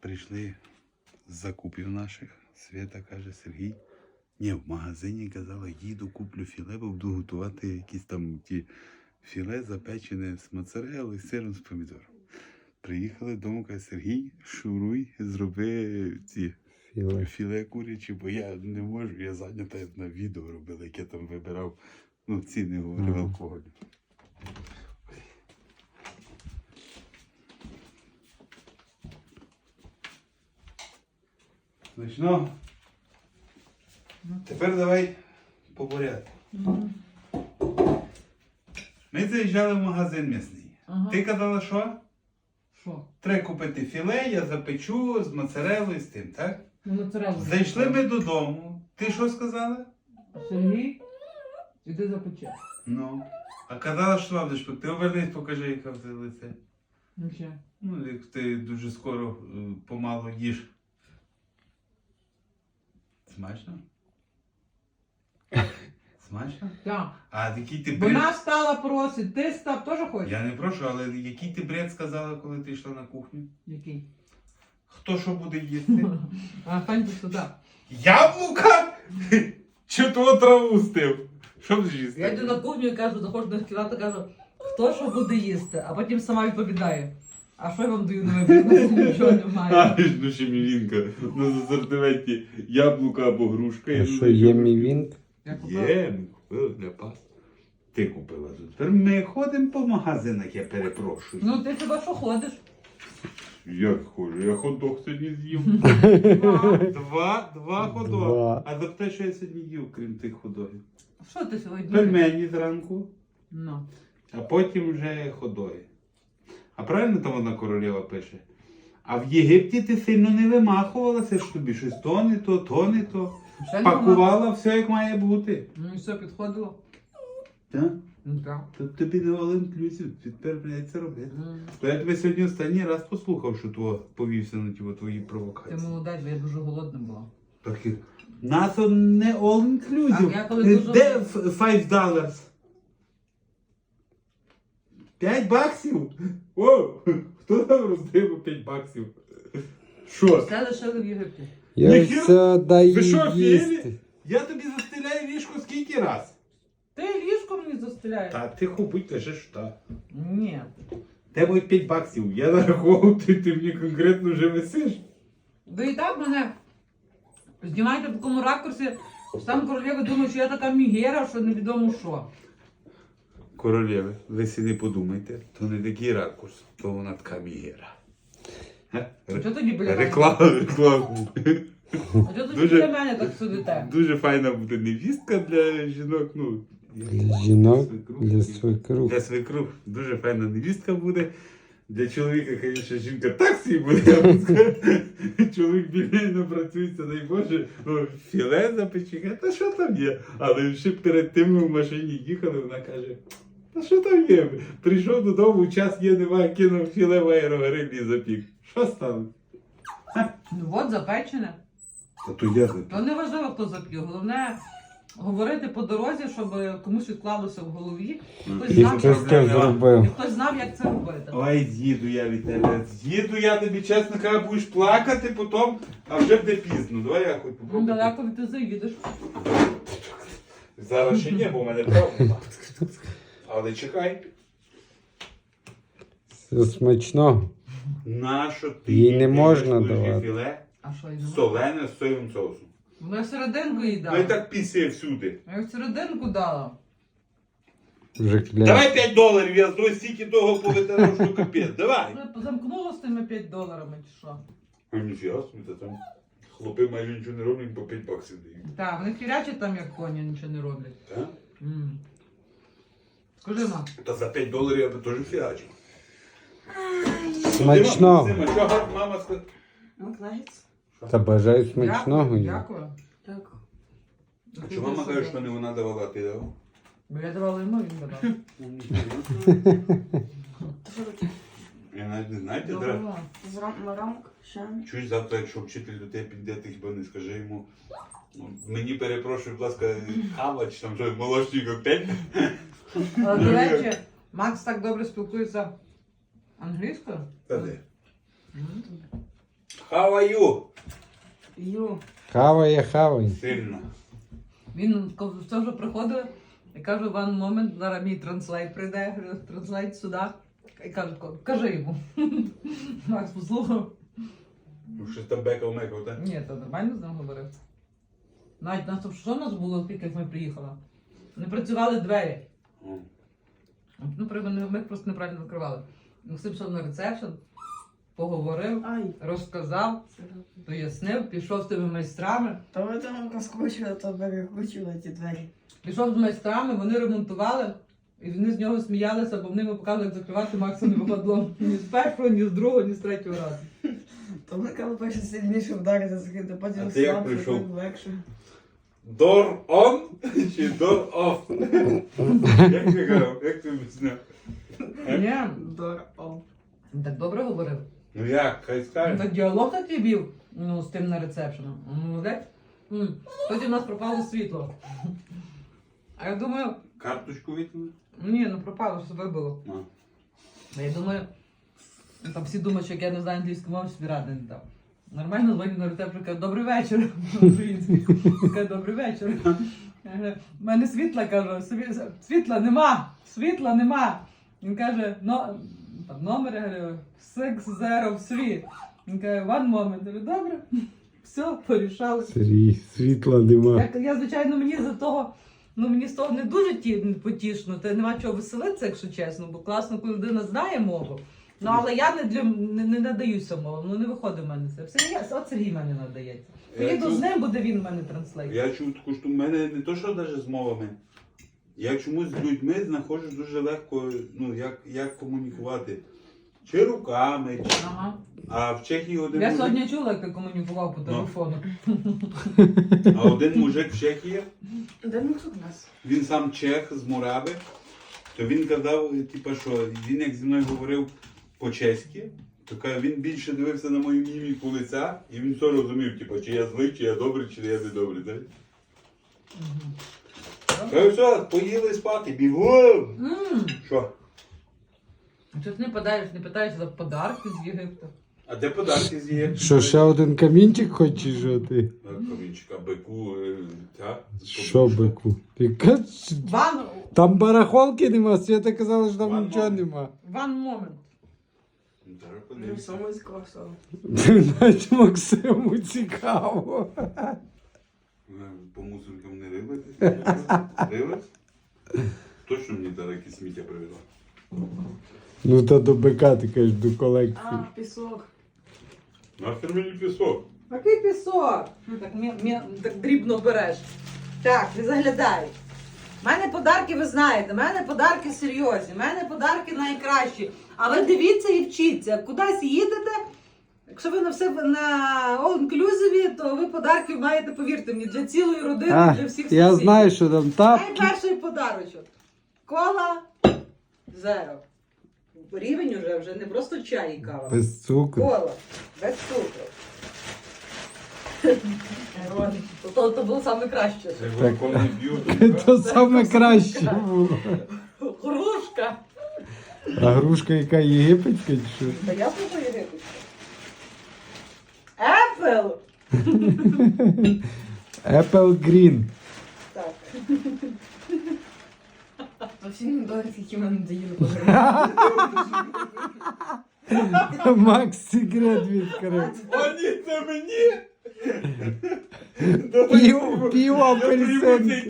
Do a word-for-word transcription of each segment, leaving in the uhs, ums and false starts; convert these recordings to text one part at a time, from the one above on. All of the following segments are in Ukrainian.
прийшли з закупів наших. Свята каже, Сергій. Ні, в магазині казала, їду, куплю філе, бо буду готувати якісь там ті філе запечене з моцареллою, з сиром, з помідором. Приїхали додому, каже, Сергій, шуруй, зроби ці Філе. філе курячі, бо я не можу, я зайнята на відео робила, яке там вибирав, ну, ціни говорив Ага. алкоголю. Смачно? Тепер давай по порядку. Ми заїжджали в магазин м'ясний. Ага. Ти казала, що? Що? Треба купити філе, я запечу з моцареллою, з тим, так? Ну, моцареллу. Зайшли ми додому. Ти що сказала? Сергій, іди запече. Ну. А казала, що вам будеш пекти. Ти обернись, покажи, яке в тебе лице. Ну ще. Ну, як ти дуже скоро е, помалу їш. Смачно? Смачно? Так. А який ти бред... Вона стала просить, ти став теж хочеш? Я не прошу, але який ти бред сказала, коли ти йшла на кухню? Який? Хто що буде їсти? А станьте сюди. Яблука? Чи того траву стив? Що будеш їсти? Я йду на кухню і кажу, заходжу до кімнати, кажу, хто що буде їсти, а потім сама відповідає. А що я вам даю на вибір? У нас нічого немає. А, ну ще мівінка. На асортименті яблука або грушка. А що є мівінк? Я купила. Є, ми купили для пас. Ти купила тут. Тепер ми ходимо по магазинах, я перепрошую. Ну ти хіба що ходиш? Як ходжу? Я хот-дог сьогодні з'їв. Два. Два, два хот-дог. Два. А за те, що я сьогодні їв, крім тих хот-догів? Що ти сьогодні? Пельмені зранку, Ну. а потім вже хот-доги. А правильно там одна королева пише? А в Єгипті ти сильно не вимахувалася, що тобі щось то не то, то не то. Ще не вона. Пакувала все, як має бути. Ну і все, підходило. Так? Ну так. Тут тобі не all-inclusive, тепер прийдеться робити. М. То я тебе сьогодні останній раз послухав, що твого повівся на ті твої Ти провокації. молодець, бо я дуже голодна була. Так і нас он не all-inclusive. А я коли Е, дуже- Де ф- five dollars? П'ять баксів? О, хто там роздив п'ять баксів? Що? Все лишили в Єгипті. Я Ніхіра- все даю Ви що, їсти. філі? Я тобі застеляю ліжко скільки раз? Ти ліжко мені застеляєш? Та тихо будь, кажи, що так. Ні. Тебе будуть п'ять баксів. Я нараховував, ти, ти мені конкретно вже висиш. Ви і так мене знімаєте в такому ракурсі, що сам королева думає, що я така мігера, що невідомо що. Королеви, ви си не подумайте, то не такий ракурс, то вона така мігера. Ге? А чого тоді біля мене? Реклама, реклама. А чого тоді Дуже- біля мене так сидите? Дуже файна буде невістка для жінок, ну. Для жінок, свекрух. для свекрух. Для свекрух дуже файна невістка буде. Для чоловіка, звісно, жінка так собі буде, я б сказав. Чоловік біля не працюється, дай Боже, ну, філе запече, та що там є? Але ще перед тим ми в машині їхали, вона каже, та що там є? Прийшов додому, час є, немає, кинув філе в аерогриль і запік. Що стало? Ну от запечене. Та то я запік. То не важливо, хто зап'є. Головне говорити по дорозі, щоб комусь відклалося в голові. Хтось І знав, хтось як... це зробив. і хтось знав, як це робити. Ой, з'їду я від тебе. З'їду я тобі, чесно кажу, будеш плакати потім, а вже буде пізно. Давай я хоч Ну, попробую. далеко від ти заїдеш. Зараз ще ні, бо в мене травма. Але чекай. Все смачно. Нащо ти Їй не їдеш можна куряче давати. філе А що йде? солене з соєвим соусом? Ну я серединку їй Ну і дала. так пісє всюди. Я в серединку дала. Вже кля. Давай п'ять доларів, я з стільки того повитирав, що капець. Давай. Вже замкнуло з тими п'ять доларами чи що? А ніфіга собі, та там хлопи майже нічого не роблять, по п'ять баксів дають. Так, вони хірячать там як коні, нічого не роблять. Так? М. Скажи, ма. Та за п'ять доларів я би теж фігачив. Смачного. Сима, що гарно мама сказала? Макнагетс? Та бажаю смачного. Дякую. їй. Дякую. Так. А чи мама каже, що не вона давала, а ти давав? Бо я давала йому, він давав. То що таке? Я навіть не знаю, ти дра. Давала. Зрам- рамок? Ще? Чуєш, завтра, якщо вчитель до тебе піде, ти хіба не скажи йому. ну, Мені перепрошую, будь ласка, кава чи там щось, молочний коктейль. Але, до речі, Макс так добре спілкується англійською. Та де? М. How are you? Ю. Хаває, хаває. Сильно. Він коли все вже приходив і каже, one moment, зараз мій транслейт прийде, я говорю, транслейт сюди. І каже, кажи йому. Макс послухав. Ну, щось там бекав мекав, так? Ні, то нормально з ним говорив. Навіть нас, що у нас було, тільки як ми приїхали? Не працювали двері. О. Ну, при- ми ми їх просто неправильно закривали. Максим пішов на ресепшн, поговорив, Ай. розказав, пояснив, пішов з тими майстрами. То ви там розкручували, то перекручували ті двері. Пішов з майстрами, вони ремонтували, і вони з нього сміялися, бо вони йому показували, як закривати, Максу не випадло ні з першого, ні з другого, ні з третього разу. То ми коли перше сильніше вдарити закрити, потім А ти як слабше, прийшов? потім легше. Door on чи door off? Як ти казав? Як ти об'ясняв? Ні, Дор, о. він так добре говорив. Ну як, хай Він скаже. так діалог такий вів, ну, з тим на ресепшеном. Молодець. М, Потім у нас пропало світло. А я думаю, Карточку витягнути? ні, ну пропало, що вибило. А. А я думаю, ну, там всі думають, що як я не знаю англійську мову, собі ради не дав. Нормально дзвоню на рецепт, каже, добрий вечір. Український. Каже, добрий вечір. Я говорю, в мене світла, кажу, «Сві- світла нема, світла нема. Він каже, но, там номер, я говорю, six zero three. Він каже, one moment. Я говорю, добре, все, порішали. Сергій, світла нема. Я, я, звичайно, мені за того, ну мені з того не дуже ті, потішно, та нема чого веселитися, якщо чесно, бо класно, коли людина знає мову. Ну, але я не, для, не, не надаюся мову, ну не виходить в мене це. Все, я, от Сергій в мене надається. Я Поїду чув- з ним, буде він в мене транслейт. Я чув таку штуку, в мене не то, що навіть з мовами. Я чомусь з людьми знаходжу дуже легко, ну, як, як комунікувати. Чи руками, чи... Ага. А в Чехії один Я мужик, сьогодні чула, як ти комунікував по телефону. а один мужик в Чехії, Де ми тут нас? він сам чех з Мурави, то він казав, типу, що він як зі мною говорив по-чеськи, то каже, він більше дивився на мою міміку лиця, і він все розумів, типу, чи я злий, чи я добрий, чи я не добрий. Так? Мгм. Каже, все, поїли спати, бігом! М, Що? Чого ти не подаєш, не питаєш за подарки з Єгипту? А де подарки з'є? Що, ще один камінчик хочеш, що ти? Камінчика, бику, е, та? Що, бику? Ти каж- Ван, Там барахолки нема, Свята казала, що там Ван нічого момент. нема. ван момент. Зараз Ну, подивимося. саме з кросом. Знаєш, Максиму цікаво. Е, По мусоркам не рилитись? Рилась? Точно мені зараз якісь сміття привезла? Ну та до бика, ти кажеш, до колекції. А, пісок. Нахер мені пісок? Який пісок? Так, мі, мі, так дрібно береш. Так, не заглядай. У мене подарки, ви знаєте, у мене подарки серйозні, у мене подарки найкращі. А ви дивіться і вчіться. Кудись їдете, якщо ви на все на all-inclusive, то ви подарків маєте, повірте мені, для цілої родини, А, для всіх я сусідів. знаю, що там тапки. Найперший подарочок. Кола зеро. Рівень уже, вже не просто чай і кава. Без цукру. Кола. Без цукру. То, то, то було саме краще. Це Так. коли не б'ю, то То саме краще було. Грушка. А грушка яка єгипетська чи що? Та я слухаю єгипетську. Apple. Apple Green. Так. То всі недорі, які мене доїли. Макс секрет відкрив. О, ні, це мені! Пів, пів апельсин.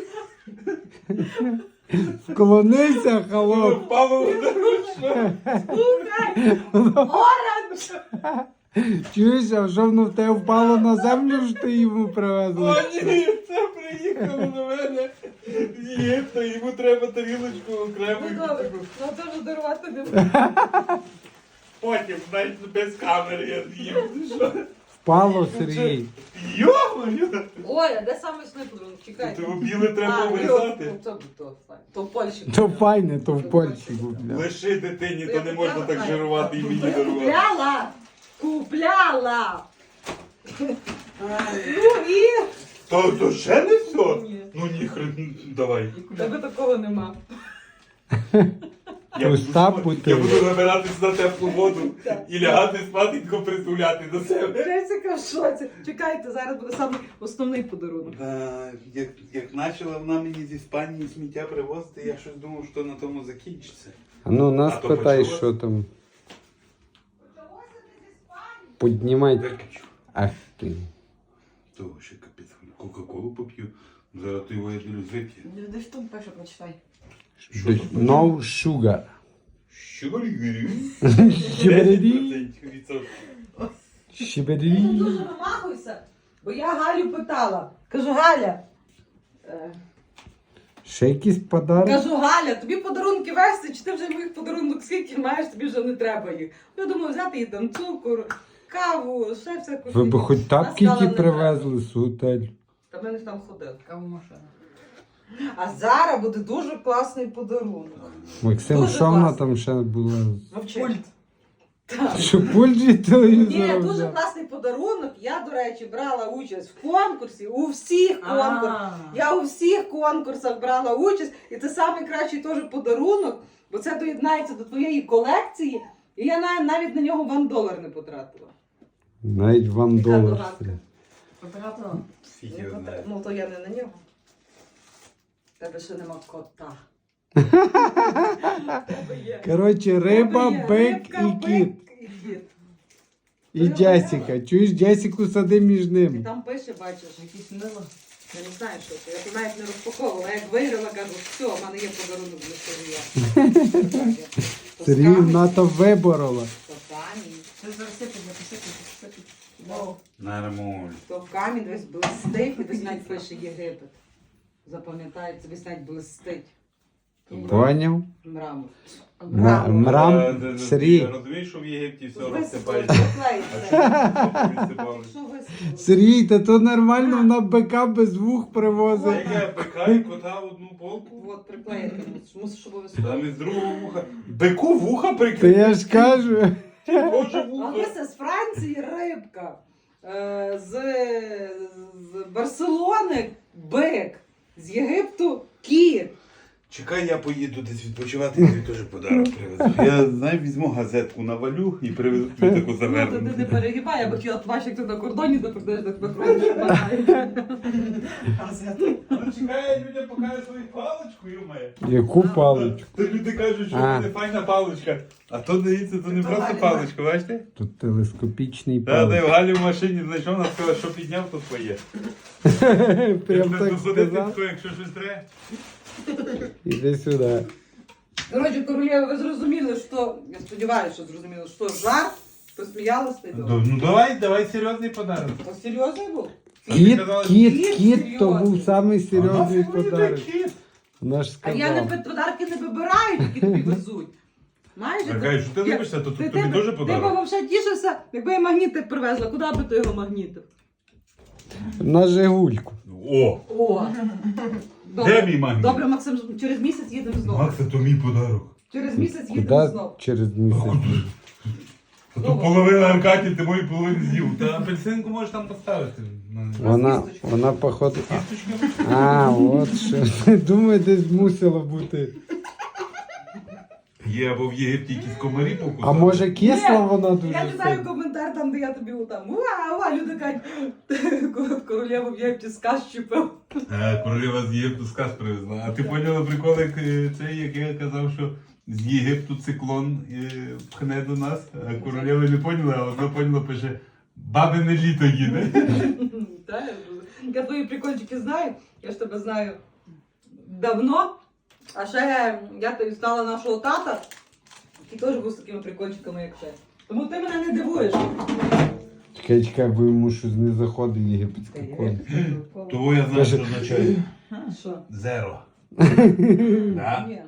Вклонися, холоп. Впало в дорожку. Слухай. Оранж. Чуєш, а що воно в тебе впало на землю, що ти йому О, привезла? ні, це приїхало до мене з Єгипта, йому треба тарілочку окремо. Ну добре, ну то ж дарувати не буду. Потім, навіть без камери я з'їм. Ти що? Впало, Сергій. Йо-моє! Ой, а де саме сни подарунок? Чекай. Того біле треба А, вирізати. ну, то, то, то, то в Польщі. То файне, то в Польщі купляв. Лиши дитині, то Я не можна купляла, так знаю. жирувати і мені дарувати. Купляла! Купляла! Ну і... То, то ще не все? Ні. Ну ні, хрен, давай. Тебе такого нема. Я буду, Пуста спа- бутилка. я буду набиратись на теплу воду і лягати спатенько притуляти до себе. Джесіка в шоці. Чекайте, зараз буде саме основний подарунок. Да, як, як почала вона мені з Іспанії сміття привозити, я щось думав, що на тому закінчиться. А ну нас А то питай, почалось? що там. Піднімай. Виключу. Ах ти. Того ще капець. Кока-колу поп'ю. Зараз ти його я ділюсь вип'є. Ну, де ж там пише, прочитай. No sugar. Що говорю? Щебереді. Ти Щебереді. дуже намахуйся, бо я Галю питала. Кажу, Галя, е, Ще якийсь подарок? кажу, Галя, тобі подарунки вести, чи ти вже моїх подарунок скільки маєш, тобі вже не треба їх. Я думаю, взяти їй там цукор, каву, ще всяку. Ви б хоч Вона тапки сказала, які не треба. привезли з готелю. Та ми не там ходили. Каву машина. А зараз буде дуже класний подарунок. Максим, Дуже що вона класно. там ще була? Пульт. Так. Що пульт від Ні, телевізора дуже взяв? класний подарунок. Я, до речі, брала участь в конкурсі, у всіх конкурсах. Я у всіх конкурсах брала участь, і це найкращий теж подарунок, бо це доєднається до твоєї колекції, і я нав- навіть на нього ван долар не потратила. Навіть вам Яка долар. догадка? стоїть. Потратила. Фіг Не його потра- знає. Ну, то я не на нього. Тебе ще нема кота. Тебе є. Коротше, риба, Тебе є бик рибка, і бик кіт. і кіт. І Джесіка. Чуєш, Джесіку сади між І ними. там пише, бачиш, якісь мило. Я не знаю, що це. Я то навіть не розпаковувала. Як виграла, кажу, все, в мене є подарунок для Сергія. Сергій НАТО виборола. То камінь. Це зараз сипить, я посипить, посипить. Вау. Нормально. То камінь весь блистить, і десь навіть пише Єгипет. Запам'ятається, весь навіть блистить. Поняв? Мрамор. Ма- Е, Мрам, ти- ти Сергій. Розумієш, що в Єгипті все Висипало, розсипається. А заклеїться. що розсипалося? Що висипало? Сергій, та то нормально, вона бика без вух Це привозить. як я пекаю кота в одну полку, От, приклеїти мусиш. Мусиш обов'язково. там із другого вуха. Бику вуха Та прикрити. я ж кажу. Боже А вуха. це з Франції рибка. Е, З, з Барселони бик. З Єгипту кіт. Чекай, я поїду десь відпочивати, і тобі теж подарок привезу. Я, знаю, візьму газетку навалю і привезу тобі таку Ну, то ти не завернуту. перегибай, я б хотіла бачити, як ти на кордоні допитаєш, так виходиш. Ну чекай, людям покаже свою паличку, йомає. Яку паличку? То люди кажуть, що в А. мене файна паличка. А то дивіться, то не просто паличка, бачите? Тут телескопічний Та, де в палич. Галі в машині знайшов, вона сказала, що підняв, то твоє. Прям Ти так тут ходити, сказав. тако, якщо щось треба. Іди сюди. Коротше, королева, ви зрозуміли, що, я сподіваюся, що зрозуміли, що жарт, посміялися і добре. Ну давай, давай серйозний подарок. То серйозний був? Кіт, казала, кіт, кіт кіт, то серйозний. був самий серйозний А нафіг мені подарок. той кіт? Вона ж А я не сказала. пи- подарки не вибираю, які тобі везуть. Знаєш, А кажеш, що ти я- любишся, то ти- тобі ти- теж Ти б подарок. взагалі тішився, якби я магнітик привезла, куди би ти його магнітив? На Жигульку. О, О! де мій магніт? Добре, Максим, через місяць їдемо знову. Макса, то мій подарок. Через місяць їдемо Куди знову. через місяць? А то половина Аркадії, ти мої половину з'їв. Та апельсинку можеш там поставити. Вона, кісточка. вона походу. Кісточка. А, от що. Думаю, десь мусило бути. Є або в Єгипті якісь комарі покусали. А може кисла Ні, вона Я дуже читаю сильно? коментар там, де я тобі там уа, уа, люди кажуть, королеву в Єгипті сказ чіпив. Е, Королева з Єгипту сказ привезла. А ти поняла прикол, як е, цей, як я казав, що з Єгипту циклон е, пхне до нас, а королева не поняла, а вона поняла, пише, бабине літо їде. Та, Я твої прикольчики знаю, я ж тебе знаю давно. А ще я тобі знала нашого тата, який теж був з такими прикольчиками, як це. Тому ти мене не дивуєш. Чекай, чекай, бо йому щось не заходить єгипетський конь. Того я знаю, що означає. Що? Зеро. Да? Ні.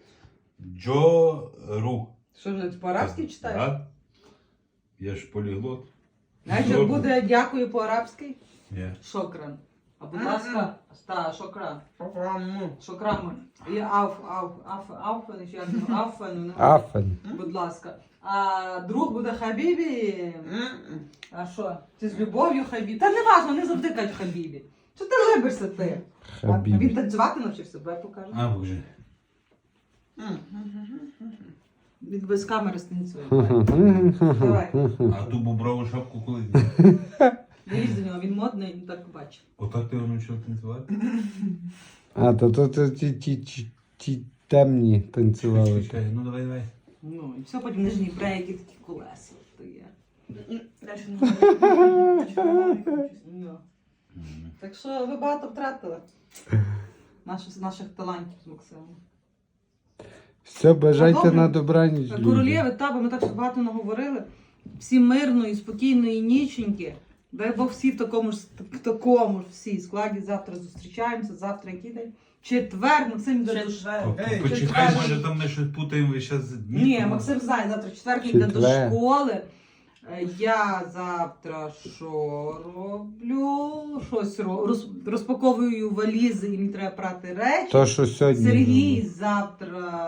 Джору. Що ж, ти по-арабськи читаєш? Да? Я ж поліглот. Знаєш, як буде дякую по-арабськи? Ні. Шокран. А будь ласка, ста, шокран. Програму. Шокран. І ауф, ауф, ауф, ауфен, чи як там, ауфен, Афен. будь ласка. А друг буде хабібі. А що? Ти з любов'ю хабібі? Та не важно, не завжди кажуть хабібі. Що ти либишся ти? А він Хабіб. танцювати навчився, бо я покажу. А, боже. Від без камери станцює. Давай. А ту боброву шапку коли? Дивись до нього, він модний, він так бачить. Отак ти його навчив танцювати? А, то то то ті, ті, ті, ті темні танцювали. Чекай, ну давай, давай. Ну, і все, потім нижні брейки, такі колеса. То є. Дальше не Ну. Так що ви багато втратили наших, наших талантів з Максимом. Все, бажайте Добре. на добраніч. люди. Королєви, та, бо ми так багато наговорили. Всі мирної, спокійної ніченьки. Дай Бог всі в такому ж в такому ж всі складі. Завтра зустрічаємося. Завтра який день? Четвер, Максим йде до школи. Ей, Почекай, може там ми щось путаємо зараз дні. Ні, Максим знає, завтра четвер він йде до Четвер. школи. Е, Я завтра що роблю? Щось ро- роз- розпаковую валізи, і мені треба прати речі. То, що сьогодні. Сергій завтра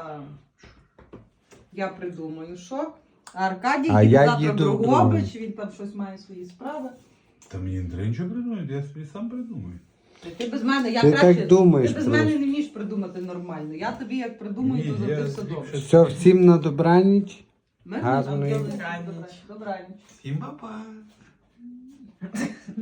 я придумаю, що. А Аркадій А їде я завтра в їду в Дрогобич, він там щось має свої справи. Та мені не треба нічого придумати, я собі сам придумаю. Та Ти без мене, я Ти краще. так думаєш Ти без просто. мене не вмієш придумати нормально. Я тобі як придумаю, Ні, то завжди я все тобі добре. щось- Все, всім на добраніч. Ми Гарної. Добраніч. Добраніч. Всім па-па.